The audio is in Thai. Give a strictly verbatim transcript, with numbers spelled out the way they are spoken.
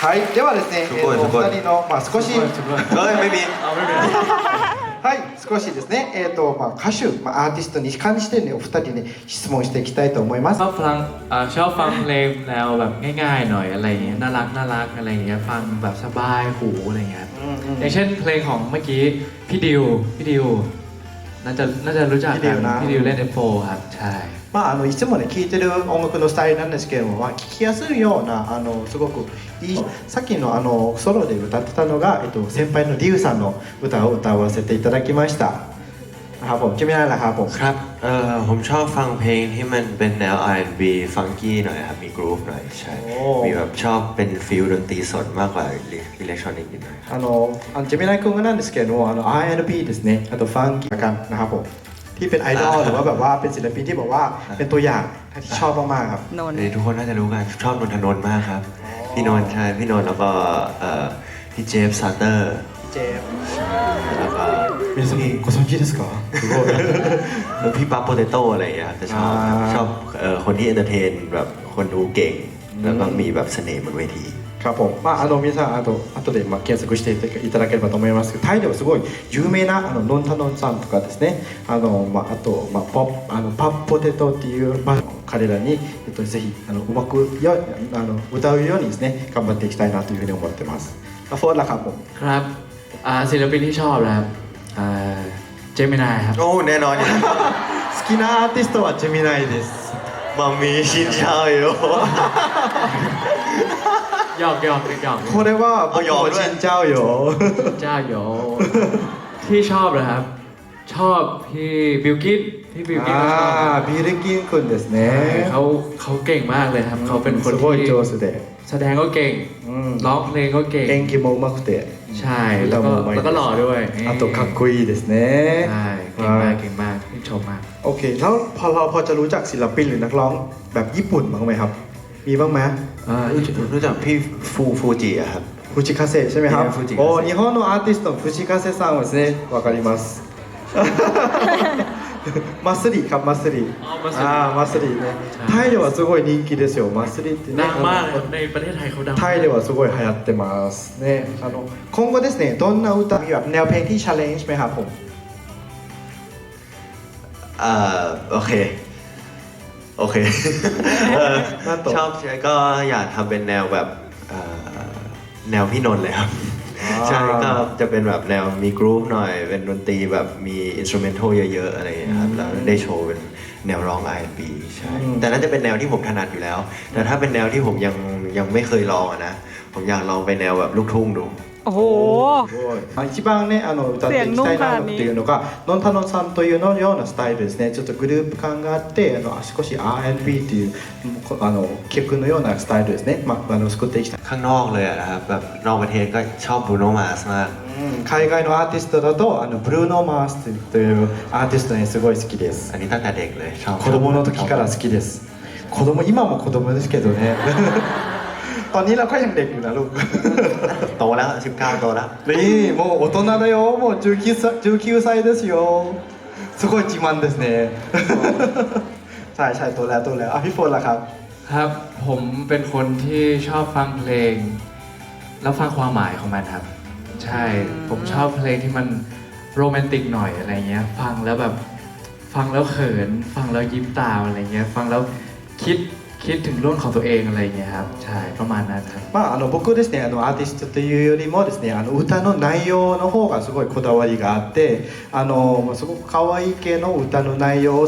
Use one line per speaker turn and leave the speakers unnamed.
はい、ではですね、えー、とお二人の、まあ、少し、
เอ้ยไม่มี
เอาไม่เป็นไร
はい、少しですね、えーとまあ、歌手、まあ、アーティストに関して、ね、お二人に質問していきたいと思います
ชอบฟังอ่าชอบฟังเพลงแนวแบบง่ายๆหน่อยอะไรอย่างเงี้ยน่ารักน่ารักอะไรอย่างเงี้ยฟังแบบสบายหูอะไรอย่างเงี้ยอย่างเช่นเพลงของเมื่อกี้พี่ดิวพี่ดิวน่าจะน่าจะรู้จัก
พี่ดิวนะ
พี่ดิวเล่น เอฟ โฟร์ ครับใช่
まあ、あのいつもね聴いてる音楽のスタイルなんですけれども、まあ、聴きやすいようなあのすごくいいさっきのあのソロで歌ってたのが、えっと、先輩のリュウさんの歌を歌わせていただきましたนะครับผมจะไม่ได้ละครับผม
ครับเออผมชอบฟังเพลงที่มันเป็นแนว อาร์ แอนด์ บี ฟังกี้หน่อยครับมีกรูฟหน่อยใช่มีแบบชอบเป็นฟิลดนตรีสดมากกว่าอิเล็กทรอนิกส์นิดหน่อยครับ
あのあのジェミナイ君がなんですけれどもあの アール แอนด์ บี ですねあとファンキーกันนะครับผมที่เป็นไอดอลหรือว่าแบบว่าเป็นศิลปินที่บอกว่าเป็นตัวอย่างที่ชอบมากๆครับ
นนท์
เอ้ยทุกคนน่าจะรู้กันชอบนนทนนท์มากครับพี่นนท์ใช่พี่นนท์แล้วก็เอ่อพี่เจฟซาเตอร์
เจฟ
แล้วก็
皆さんご存知ですかすごい
แล้วพี่ปั๊บโปเตโต้อะไรอย่างเงี้ยครับจะชอบ
อ่า
ชอบเอ่อคนที่เอนเตอร์เทนแบบคนดูเก่ง แล้วก็มีแบบเสน่ห์บนเวที
ครับผมまああの皆さんあと後でまあ検索していただければと思いますけどタイではすごい有名なあのノンタノンさんとかですねあのまああとまあポあのパッポテトっていうまあ彼らにえっとぜひあのうまくよあの歌うようにですね頑張っていきたいなというふうに思ってますあフォーラครับผม
ครับอ่าศิลปินที่ชอบนะครับอ่าเจมินายครับ
โอ้แน่นอนอยู่แล้ว
好きなアーティストはジェミナイです
มามีชินเช้าอยู่
หยอกหยอกหยอก
これは僕
あ
も
いや
死んじゃうよ
เจ้าโยที่ชอบเหรอครับ ชอบพี่บิลกินพี่บิลกินก็ชอบ
あービルキン君ですね
เขาเขาเก่งมากเลยครับ เขาเป็นคน
すごい
ที่
上手で
แสดงก็เก่ง
อืม
ร้องเพลงก็เก่ง
演技も上手くて
ใช่ แล้วก็แล้วก็หล่อด้วย
あとかっこいいですね
ใช่เก่งมากเก่งมากที่ชมมาก
โอเคแล้วพอเราพอจะรู้จักศิลปินหรือนักร้องแบบญี่ปุ่นบ้างไหมครับ มีบ้างไหม
อ่า
รู้จักพี่ฟูฟูจิอะครับ
ฟูจิคาเซใช่ไหมครับ
ฟูจิคาเซ
โอ้日本のアーティストのฟูจิคาเซさんはですねわかりますマスリครับマスリ
อ๋อมาส
あーマスリねタイではすごい人気ですよマスリってね
ดังมากเลยในประเทศไทยเขาดัง
タイではすごい流行ってますねあの今後ですねどんな歌มีแบบแนวเพลงที่ challenge ไหมครับผม
เอ่อโอเค โอเคเออชอบก็อยากทำเป็นแนวแบบเอ่อแนวพี่นนท์เลยครับ ใช่ก็จะเป็นแบบแนวมีกรุ๊ปหน่อย เป็นดนตรีแบบมีอินสต u เมนทัลเยอะๆอะไรอย่างเงี้ยครับแล้วได้โชว์เป็นแนวร้อง อาร์ แอนด์ บี ใช่แต่น่าจะเป็นแนวที่ผมถนัดอยู่แล้ว แต่ถ้าเป็นแนวที่ผมยังยังไม่เคยลองอะนะ ผมอยากลองไปแนวแบบลูกทุ่งดู
โอ้โห
すごいまあ一番ねあの歌っていきたいなっていうのがノンタノンさんというのようなスタイルですねちょっとグループ感があってあの少し アール エヌ ビー っていうあの曲のようなスタイルですね、まあ、あの作っていきたい
ข้างนอกเลยอะนะครับแบบนอกประเทศก็ชอบบรูโนมาสมาก
海外のアーティストだとあのブルーノ・マースというアーティストにすごい好きです
อันนี้ตั้งแต่เด็กเลยชอบ
子供の時から好きです子供今も子供ですけどねตอนนี้เราก็ยังเด็กอยู่นะลูก
โตแล้วสิบเก้าโตแล้ว
นี่もう大人だよもうじゅうきゅうさいじゅうきゅうさいですよすごい自慢ですねใช่ใช่ตัวแล้วตัวแล้วอ่ะพี่โฟนล่ะครับ
ครับ ผมเป็นคนที่ชอบฟังเพลง แล้วฟังความหมายของมันครับ ใช่ ผมชอบเพลงที่มันโรแมนติกหน่อยอะไรเงี้ย ฟังแล้วแบบฟังแล้วเขิน ฟังแล้วยิ้มตามอะไรเงี้ย ฟังแล้วคิดคิดถึงเรื่องของตัวเองอะไรเงี้ยครับ ใช่ประมาณนั้นครับ
まあ、あの僕ですねあのアーティストというよりもですねあの歌の内容の方がすごいこだわりがあってあのすごく可愛い系の歌の内容を